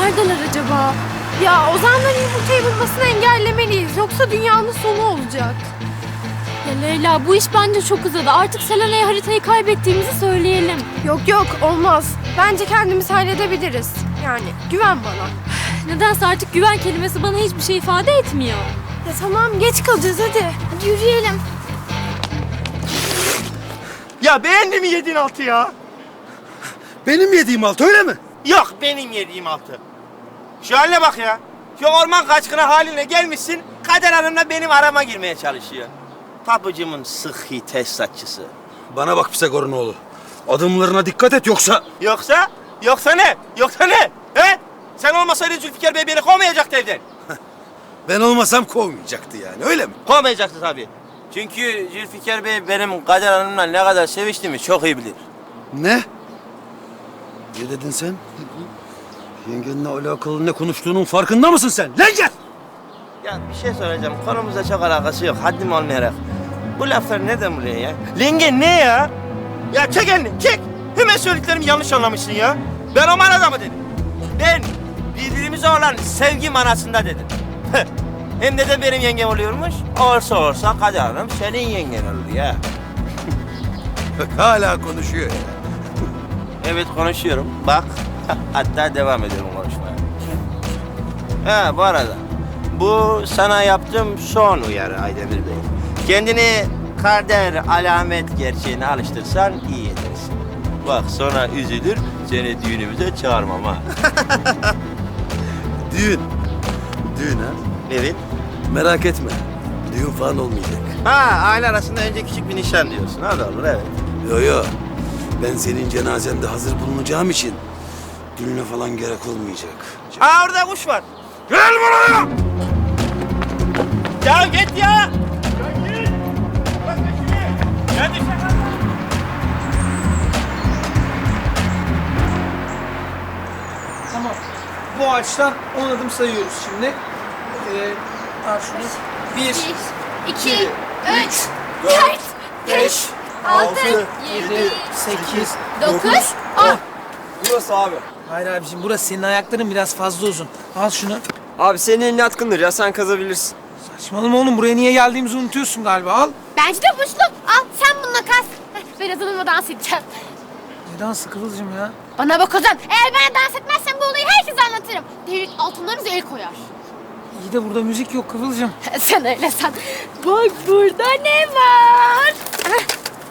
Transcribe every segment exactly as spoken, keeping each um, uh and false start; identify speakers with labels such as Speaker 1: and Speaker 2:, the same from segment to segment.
Speaker 1: neredeler acaba? Ya Ozan'ların yumurtayı bulmasını engellemeliyiz. Yoksa dünyanın sonu olacak.
Speaker 2: Ya Leyla, bu iş bence çok uzadı. Artık Selena'ya haritayı kaybettiğimizi söyleyelim.
Speaker 1: Yok yok, olmaz. Bence kendimiz halledebiliriz. Yani güven bana.
Speaker 2: Nedense artık güven kelimesi bana hiçbir şey ifade etmiyor.
Speaker 1: Ya tamam, geç kalacağız hadi. Hadi yürüyelim.
Speaker 3: Ya beğendi mi yediğin altı ya?
Speaker 4: Benim yediğim altı öyle mi?
Speaker 3: Yok, benim yediğim altı. Şu haline bak ya. Şu orman kaçkını haline gelmişsin, Kader Hanım'la benim arama girmeye çalışıyor. Tapucumun sıhhi tesisatçısı.
Speaker 4: Bana bak Pisagor'un oğlu. Adımlarına dikkat et yoksa...
Speaker 3: Yoksa, yoksa ne? Yoksa ne? He? Sen olmasaydın Zülfikar Bey beni kovmayacaktı evden.
Speaker 4: Ben olmasam kovmayacaktı yani öyle mi?
Speaker 3: Kovmayacaktı tabii. Çünkü Zülfikar Bey benim Kader Hanım'la ne kadar seviştiğimi çok iyi bilir.
Speaker 4: Ne? Ne dedin sen? Yengenle alakalı ne konuştuğunun farkında mısın sen? Lan gel!
Speaker 3: Ya bir şey soracağım. Konumuzla çok alakası yok. Haddim olmayarak. Bu laflar neden buraya ya? Lenge ne ya? Ya çek elini, çek. Hemen söylediklerimi yanlış anlamışsın ya. Ben o manada mı dedim? Ben birbirimize olan sevgi manasında dedim. Hem de de benim yengem oluyormuş. Olsa olsa Kader Hanım senin yengen olur ya.
Speaker 4: Bak hala konuşuyor ya.
Speaker 3: Evet konuşuyorum. Bak. Hatta devam ediyorum konuşmaya. Ha bu arada. Bu sana yaptığım son uyarı Aydemir Bey. Kendini kader alamet gerçeğine alıştırsan iyi edersin. Bak sonra üzülür, seni düğünümüze çağırmam ha.
Speaker 4: Düğün. Düğün ha?
Speaker 3: Evet.
Speaker 4: Merak etme. Düğün falan olmayacak.
Speaker 3: Ha aile arasında önce küçük bir nişan diyorsun. Hadi olur evet.
Speaker 4: Yo yo. Ben senin cenazende hazır bulunacağım için düğüne falan gerek olmayacak.
Speaker 3: Ha orada kuş var. Gel buraya! Ya git ya! Ya git! Bak şimdi! Ya dışarı!
Speaker 5: Tamam. Bu ağaçtan on adım sayıyoruz şimdi. Ee, al şunu. Bir,
Speaker 2: iki,
Speaker 5: üç,
Speaker 2: dört,
Speaker 5: beş,
Speaker 2: altı,
Speaker 5: yedi, sekiz,
Speaker 2: dokuz,
Speaker 5: on. Burası abi. Hayır abiciğim, burası senin ayakların biraz fazla uzun. Al şunu.
Speaker 6: Abi senin elin yatkındır ya, sen kazabilirsin.
Speaker 5: Saçmalama oğlum, buraya niye geldiğimizi unutuyorsun galiba. Al.
Speaker 1: Bence de boşluk. Al sen bununla kas. Heh, ben Ozan'ımla dans edeceğim.
Speaker 5: Ne dansı Kıvılcım ya?
Speaker 1: Bana bak Ozan. Eğer ben dans etmezsem bu olayı herkese anlatırım. Devlet altınlarınızı el koyar.
Speaker 5: İyi de burada müzik yok Kıvılcım.
Speaker 1: Sen öyle san. Bak burada ne var? Heh.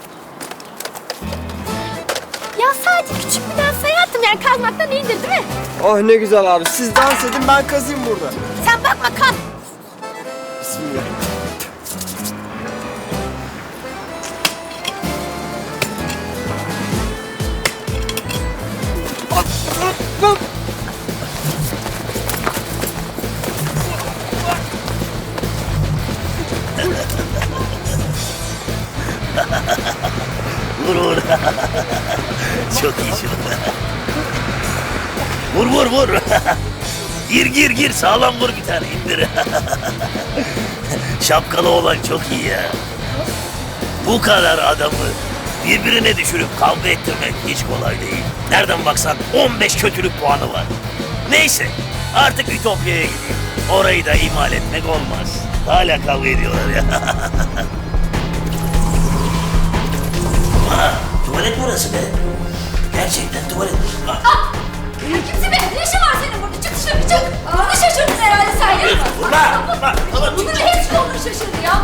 Speaker 1: Ya sadece küçük bir dans hayatım, yani kazmaktan iyidir değil mi?
Speaker 6: Oh ne güzel abi, siz dans edin ben kazayım burada.
Speaker 1: Sen bakma kaz.
Speaker 6: Bismillah.
Speaker 7: Vur vur. Çok iyi çok. Vur vur vur. Gir gir gir sağlam vur bir tane indir. Şapkalı olan çok iyi ya. Bu kadar adamı birbirine düşürüp kavga ettirmek hiç kolay değil. Nereden baksan on beş kötülük puanı var. Neyse artık Ütopya'ya gideyim. Orayı da ihmal etmek olmaz. Hala kavga ediyorlar ya. Ha, tuvalet mi orası be? Gerçekten tuvalet. Ha.
Speaker 2: Kimse be? Ne işin var senin burada? Çık dışarı çık. Bunu şaşırdın herhalde sen ya.
Speaker 7: Vurma, vurma. Tamam,
Speaker 2: Bunun hepsi onu şaşırdı ya.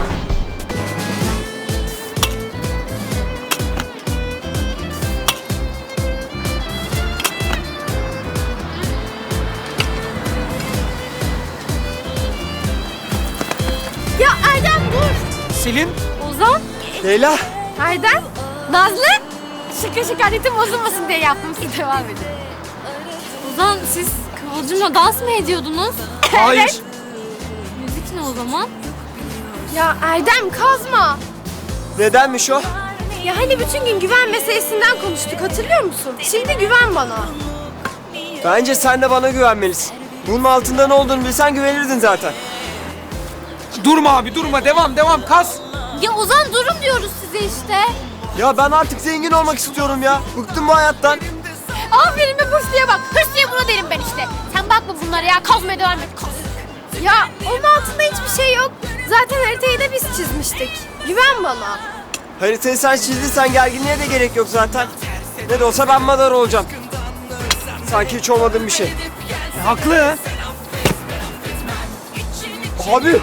Speaker 1: Ya Erdem dur.
Speaker 5: Selin.
Speaker 1: Ozan.
Speaker 6: Leyla.
Speaker 1: Erdem. Nazlı. Şaka şaka ritim bozulmasın diye yaptım. Siz devam edin.
Speaker 2: Ozan, siz Kıvılcım'la dans mı ediyordunuz?
Speaker 5: Hayır.
Speaker 1: Evet.
Speaker 2: Müzik ne o zaman?
Speaker 1: Ya Erdem kazma.
Speaker 6: Nedenmiş o?
Speaker 1: Ya hani bütün gün güven meselesinden konuştuk, hatırlıyor musun? Şimdi güven bana.
Speaker 6: Bence sen de bana güvenmelisin. Bunun altında ne olduğunu bilsen güvenirdin zaten.
Speaker 5: Durma abi, durma. Devam, devam. Kaz.
Speaker 2: Ya Ozan durun diyoruz size işte.
Speaker 6: Ya ben artık zengin olmak istiyorum ya. Bıktım bu hayattan.
Speaker 1: Aferin be Hüsnü'ye bak. Hüsnü'ye buna derim ben işte. Sen bakma bunlara ya. Kazmaya devam et. Kaz. Ya onun altında hiçbir şey yok. Zaten haritayı da biz çizmiştik. Güven bana.
Speaker 6: Haritayı sen çizdiysen gerginliğe de gerek yok zaten. Ne de olsa ben madar olacağım. Sanki hiç olmadığım bir şey.
Speaker 5: E, haklı.
Speaker 6: Abi!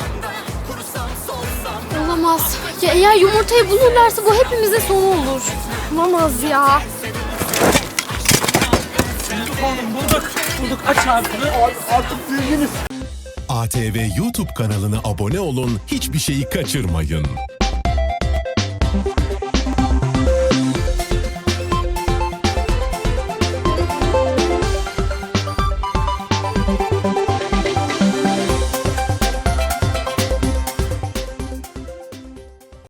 Speaker 2: Olamaz. Ya eğer yumurtayı bulurlarsa bu hepimizin sonu olur.
Speaker 1: Olamaz ya.
Speaker 5: Oğlum bulduk. Bulduk. Aç ağzını. Artık büyüdünüz.
Speaker 8: A T V YouTube kanalına abone olun, hiçbir şeyi kaçırmayın.